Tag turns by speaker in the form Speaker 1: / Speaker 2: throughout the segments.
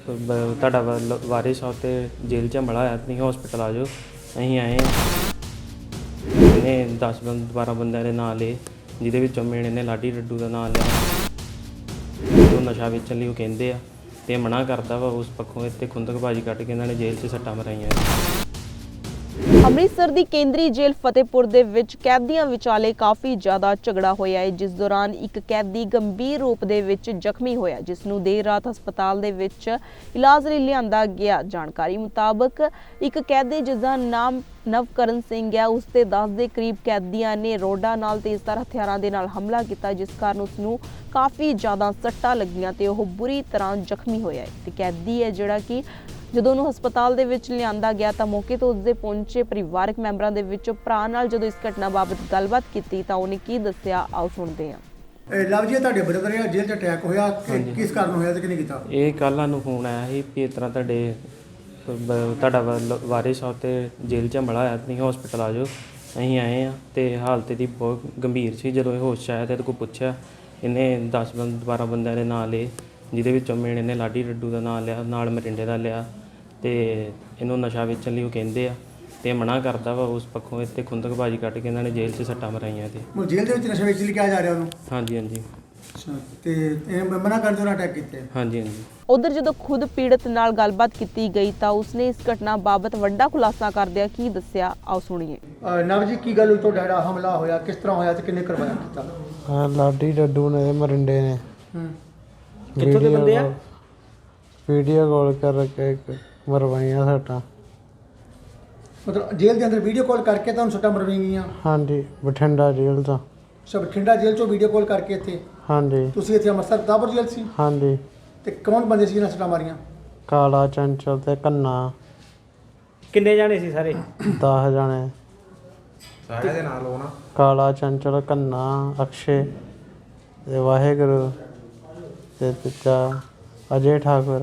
Speaker 1: ਤੁਹਾਡਾ ਵਾਰਿਸ ਆ ਤੇ ਜੇਲ੍ਹ 'ਚ ਹਮਲਾ ਹੋਇਆ, ਤੁਸੀਂ ਹਸਪੀਟਲ ਆ ਜਾਓ। ਅਸੀਂ ਆਏ ਇਹਨੇ 10-12 ਬੰਦਿਆਂ ਦੇ ਨਾਂ ਲਏ, ਜਿਹਦੇ ਵਿੱਚੋਂ ਮੇਨ ਇਹਨੇ ਲਾਡੀ ਡੱਡੂ ਦਾ ਨਾਂ ਲਿਆ। ਉਹ ਨਸ਼ਾ ਵੇਚਣ ਲਈ ਉਹ ਕਹਿੰਦੇ ਆ ਤੇ ਮਨਾ ਕਰਦਾ ਵਾ। ਉਸ ਪੱਖੋਂ ਇੱਥੇ ਖੁੰਦਕਬਾਜ਼ੀ ਕੱਢ ਕੇ ਇਹਨਾਂ ਨੇ ਜੇਲ੍ਹ 'ਚ ਸੱਟਾਂ ਮਰਾਈਆਂ।
Speaker 2: ਅੰਮ੍ਰਿਤਸਰ ਦੀ ਕੇਂਦਰੀ ਜੇਲ੍ਹ ਫਤਿਹਪੁਰ ਦੇ ਵਿੱਚ ਕੈਦੀਆਂ ਵਿਚਾਲੇ ਕਾਫੀ ਜ਼ਿਆਦਾ ਝਗੜਾ ਹੋਇਆ ਹੈ, ਜਿਸ ਦੌਰਾਨ ਇੱਕ ਕੈਦੀ ਗੰਭੀਰ ਰੂਪ ਦੇ ਵਿੱਚ ਜ਼ਖਮੀ ਹੋਇਆ, ਜਿਸ ਨੂੰ ਦੇਰ ਰਾਤ ਹਸਪਤਾਲ ਦੇ ਵਿੱਚ ਇਲਾਜ ਲਈ ਲਿਆਂਦਾ ਗਿਆ। ਜਾਣਕਾਰੀ ਮੁਤਾਬਕ ਇੱਕ ਕੈਦੀ ਜਿਸ ਦਾ ਨਾਮ ਨਵਕਰਨ ਸਿੰਘ ਹੈ, ਉਸ ਦੇ 10 ਦੇ ਕਰੀਬ ਕੈਦੀਆਂ ਨੇ ਰੋਡਾ ਨਾਲ ਤੇਜ਼ਧਾਰ ਹਥਿਆਰਾਂ ਦੇ ਨਾਲ ਹਮਲਾ ਕੀਤਾ, ਜਿਸ ਕਾਰਨ ਉਸ ਨੂੰ ਕਾਫੀ ਜ਼ਿਆਦਾ ਸੱਟਾਂ ਲੱਗੀਆਂ ਤੇ ਉਹ ਬੁਰੀ ਤਰ੍ਹਾਂ ਜ਼ਖਮੀ ਹੋਇਆ ਹੈ। ਤੇ ਕੈਦੀ ਹੈ ਜਿਹੜਾ ਕਿ ਜਦੋਂ ਉਹਨੂੰ ਹਸਪਤਾਲ ਦੇ ਵਿੱਚ ਲਿਆਂਦਾ ਗਿਆ ਤਾਂ ਮੌਕੇ ਤੋਂ ਉਸਦੇ ਪਹੁੰਚੇ ਪਰਿਵਾਰਕ ਮੈਂਬਰਾਂ ਦੇ ਵਿੱਚੋਂ ਭਰਾ ਨਾਲ ਜਦੋਂ ਇਸ ਘਟਨਾ ਬਾਬਤ ਗੱਲਬਾਤ ਕੀਤੀ ਤਾਂ ਉਹਨੇ ਕੀ ਦੱਸਿਆ, ਆਓ ਸੁਣਦੇ ਹਾਂ।
Speaker 3: ਲਵ ਜੀ, ਤੁਹਾਡੇ ਬ੍ਰਦਰ ਆ ਜੇਲ੍ਹ 'ਚ ਅਟੈਕ ਹੋਇਆ, ਕਿਸ ਕਾਰਨ ਹੋਇਆ ਤੇ ਕਿਹਨੇ ਕੀਤਾ?
Speaker 1: ਇਹ ਕੱਲ੍ਹ ਸਾਨੂੰ ਫੋਨ ਆਇਆ ਸੀ ਵੀ ਇਸ ਤਰ੍ਹਾਂ ਤੁਹਾਡਾ ਵਾਰਿਸ ਆ ਤੇ ਜੇਲ੍ਹ 'ਚ ਹਮਲਾ ਹੋਇਆ, ਤੁਸੀਂ ਹਸਪੀਟਲ ਆ ਜਾਓ। ਅਸੀਂ ਆਏ ਹਾਂ ਤੇ ਹਾਲਤ ਇਹਦੀ ਬਹੁਤ ਗੰਭੀਰ ਸੀ। ਜਦੋਂ ਇਹ ਹੋਸ਼ 'ਚ ਆਇਆ ਤੇ ਇਹਦੇ ਕੋਲ ਪੁੱਛਿਆ, ਇਹਨੇ 10-12 ਬੰਦਿਆਂ ਦੇ ਨਾਂ ਲਏ, ਜਿਹਦੇ ਵਿੱਚੋਂ ਮੇਨ ਇਹਨੇ ਲਾਡੀ ਡੱਡੂ ਦਾ ਨਾਂ ਲਿਆ, ਨਾਲ ਮਰਿੰਡੇ ਦਾ ਲਿਆ ਤੇ ਇਹਨੂੰ ਨਸ਼ਾ ਵੇਚਣ ਲਈ ਉਹ ਕਹਿੰਦੇ ਆ ਤੇ ਮਨਾ ਕਰਦਾ ਵਾ। ਉਸ ਪੱਖੋਂ ਇੱਥੇ ਖੁੰਦਕਬਾਜ਼ੀ ਕੱਢ ਕੇ ਇਹਨਾਂ ਨੇ ਜੇਲ੍ਹ 'ਚ ਸੱਟਾਂ ਮਰਾਈਆਂ। ਤੇ
Speaker 3: ਉਹ ਜੇਲ੍ਹ ਦੇ ਵਿੱਚ ਨਸ਼ਾ ਵੇਚ ਲਈ ਕਿਹਾ ਜਾ ਰਿਹਾ ਉਹਨੂੰ?
Speaker 1: ਹਾਂਜੀ ਹਾਂਜੀ
Speaker 3: ਅੱਛਾ, ਤੇ ਇਹ ਮਨਾ ਕਰਨ ਤੋਂ ਅਟੈਕ ਕੀਤੇ?
Speaker 1: ਹਾਂਜੀ ਹਾਂਜੀ।
Speaker 2: ਉਧਰ ਜਦੋਂ ਖੁਦ ਪੀੜਤ ਨਾਲ ਗੱਲਬਾਤ ਕੀਤੀ ਗਈ ਤਾਂ ਉਸਨੇ ਇਸ ਘਟਨਾ ਬਾਬਤ ਵੱਡਾ ਖੁਲਾਸਾ ਕਰਦਿਆਂ ਕੀ ਦੱਸਿਆ, ਆਓ ਸੁਣੀਏ।
Speaker 3: ਨਵ ਜੀ, ਕੀ ਗੱਲ ਹੋਈ? ਤੁਹਾਡਾ ਜਿਹੜਾ ਹਮਲਾ ਹੋਇਆ ਕਿਸ ਤਰ੍ਹਾਂ ਹੋਇਆ ਤੇ ਕਿੰਨੇ ਕਰਵਾਇਆ ਕੀਤਾ?
Speaker 4: ਲਾਡੀ ਡੱਡੂ ਨੇ ਮਰਿੰਡੇ ਨੇ
Speaker 3: ਕਿੱਥੋਂ ਦੇ ਬੰਦੇ ਆ?
Speaker 4: ਵੀਡੀਓ ਕਾਲ ਕਰਕੇ ਮਰਵਾਈਆਂ ਸੱਟਾਂ।
Speaker 3: ਮਤਲਬ ਜੇਲ੍ਹ ਦੇ ਅੰਦਰ ਵੀਡੀਓ ਕਾਲ ਕਰਕੇ ਤੁਹਾਨੂੰ ਸੱਟਾਂ ਮਰਵਾਈਆਂ ਗਈਆਂ?
Speaker 4: ਹਾਂਜੀ, ਬਠਿੰਡਾ ਜੇਲ੍ਹ ਤੋਂ।
Speaker 3: ਸਭ ਬਠਿੰਡਾ ਜੇਲ੍ਹ 'ਚੋਂ ਵੀਡੀਓ ਕਾਲ ਕਰਕੇ ਇੱਥੇ?
Speaker 4: ਹਾਂਜੀ।
Speaker 3: ਤੁਸੀਂ ਇੱਥੇ ਅੰਮ੍ਰਿਤਸਰ ਦਾਬਰ ਜੇਲ੍ਹ ਸੀ?
Speaker 4: ਹਾਂਜੀ।
Speaker 3: ਤੇ ਕੌਣ ਬੰਦੇ ਸੀ ਜਿਹਨਾਂ ਸੱਟਾਂ ਮਾਰੀਆਂ?
Speaker 4: ਕਾਲਾ, ਚੰਚਲ ਤੇ ਕੰਨਾ।
Speaker 5: ਕਿੰਨੇ ਜਾਣੇ ਸੀ ਸਾਰੇ?
Speaker 4: 10 ਜਾਣੇ।
Speaker 5: ਸਾਰਿਆਂ ਦੇ ਨਾਲ ਹੋਣਾ?
Speaker 4: ਕਾਲਾ, ਚੰਚਲ, ਕੰਨਾ, ਅਕਸ਼ੇ ਤੇ ਵਾਹਿਗੁਰੂ ਤੇ ਤੀਜਾ ਅਜੇ ਠਾਕੁਰ।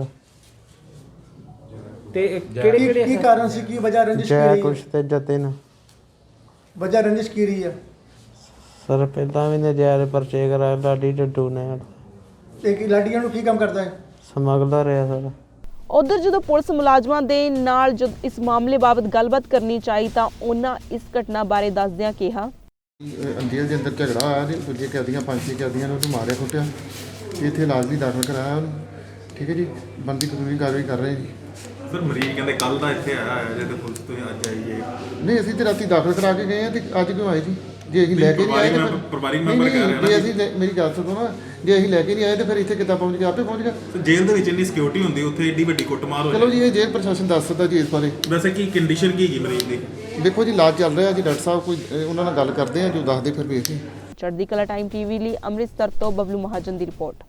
Speaker 5: ਤੇ ਕਿਹੜੇ ਕਿਹੜੇ
Speaker 3: ਕੀ ਕਾਰਨ ਸੀ? ਕੀ ਵਜ੍ਹਾ ਰੰਜਿਸ਼
Speaker 4: ਜੈ
Speaker 3: ਕੀ
Speaker 4: ਕੁਸ਼ ਤੇ ਜਤਿਨ।
Speaker 3: ਵਜ੍ਹਾ ਰੰਜਿਸ਼ ਕੀ ਰਹੀ ਹੈ?
Speaker 4: ਸਰ ਪਹਿਲਾਂ ਵੀ ਨਜਾਇਜ਼ ਪਰਚੇ ਕਰਾਇਆ ਲਾਡੀ ਡੱਡੂ ਨੇ।
Speaker 3: ਤੇ ਕੀ ਲਾਡੀਆਂ ਨੂੰ ਕੀ ਕੰਮ ਕਰਦਾ ਹੈ?
Speaker 4: ਸਮਗਲਰ ਹੈ ਸਰ।
Speaker 2: ਉਧਰ ਜਦੋਂ ਪੁਲਿਸ ਮੁਲਾਜ਼ਮਾਂ ਦੇ ਨਾਲ ਜਦ ਇਸ ਮਾਮਲੇ ਬਾਬਤ ਗੱਲਬਾਤ ਕਰਨੀ ਚਾਹੀ ਤਾਂ ਉਹਨਾਂ ਇਸ ਘਟਨਾ ਬਾਰੇ ਦੱਸਦਿਆਂ ਕਿਹਾ,
Speaker 6: ਜੇਲ੍ਹ ਦੇ ਅੰਦਰ ਝਗੜਾ ਹੋਇਆ ਤੇ ਦੂਜੇ ਕੈਦੀਆਂ 5-6 ਕੈਦੀਆਂ ਨੂੰ ਮਾਰਿਆ ਕੁੱਟਿਆ ਤੇ ਇੱਥੇ ਇਲਾਜ ਲਈ ਦਾਖਲ ਕਰਾਇਆ ਉਹਨੂੰ। ਠੀਕ ਹੈ ਜੀ, ਬਣਦੀ ਕਾਨੂੰਨੀ ਕਾਰਵਾਈ ਕਰ ਰਹੇ ਜੀ।
Speaker 7: ਸਰ ਮਰੀਜ਼ ਕਹਿੰਦੇ ਕੱਲ ਦਾ ਇੱਥੇ ਆਇਆ ਜੇ ਤੇ ਪੁਲਿਸ ਤੋਂ ਅੱਜ ਆਈਏ।
Speaker 6: ਨਹੀਂ, ਅਸੀਂ ਤੇ ਰਾਤੀ ਦਾਖਲ ਕਰਾ ਕੇ ਗਏ ਆ ਤੇ ਅੱਜ ਕਿਉਂ ਆਏ ਜੀ? ਜੇ ਅਸੀਂ ਲੈ ਕੇ ਨਹੀਂ ਆਏ ਤਾਂ
Speaker 7: ਪਰਿਵਾਰਿਕ ਮੈਂਬਰ ਕਹਿ ਰਹੇ
Speaker 6: ਜੇ ਅਸੀਂ ਮੇਰੀ ਗੱਲ ਸੁਣੋ ਨਾ, ਜੇ ਅਸੀਂ ਲੈ ਕੇ ਨਹੀਂ ਆਏ ਤਾਂ ਫਿਰ ਇੱਥੇ ਕਿੱਦਾਂ ਪਹੁੰਚ ਗਏ? ਆਪੇ ਪਹੁੰਚ ਗਏ।
Speaker 7: ਸਰ ਜੇਲ੍ਹ ਦੇ ਵਿੱਚ ਇੰਨੀ ਸਿਕਿਉਰਿਟੀ ਹੁੰਦੀ, ਉੱਥੇ ਏਡੀ ਵੱਡੀ ਕੁੱਟਮਾਰ ਹੋ
Speaker 6: ਚਲੋ ਜੀ, ਇਹ ਜੇਲ੍ਹ ਪ੍ਰਸ਼ਾਸਨ ਦੱਸ ਸਕਦਾ ਜੀ ਇਸ ਬਾਰੇ।
Speaker 7: ਵੈਸੇ ਕੀ ਕੰਡੀਸ਼ਨ ਕੀ ਹੈਗੀ ਮਰੀਜ਼ ਦੀ?
Speaker 6: ਦੇਖੋ ਜੀ, ਇਲਾਜ ਚੱਲ ਰਿਹਾ ਜੀ। ਡਾਕਟਰ ਸਾਹਿਬ ਕੋਈ ਉਹਨਾਂ ਨਾਲ ਗੱਲ ਕਰਦੇ ਆ, ਜੋ ਦੱਸਦੇ ਫਿਰ ਵੇਖਦੇ।
Speaker 2: ਚੜ੍ਹਦੀ ਕਲਾ ਟਾਈਮ ਟੀਵੀ ਲਈ ਅੰਮ੍ਰਿਤਸਰ ਤੋਂ ਬਬਲੂ ਮਹਾਜਨ ਦੀ ਰਿਪੋਰਟ।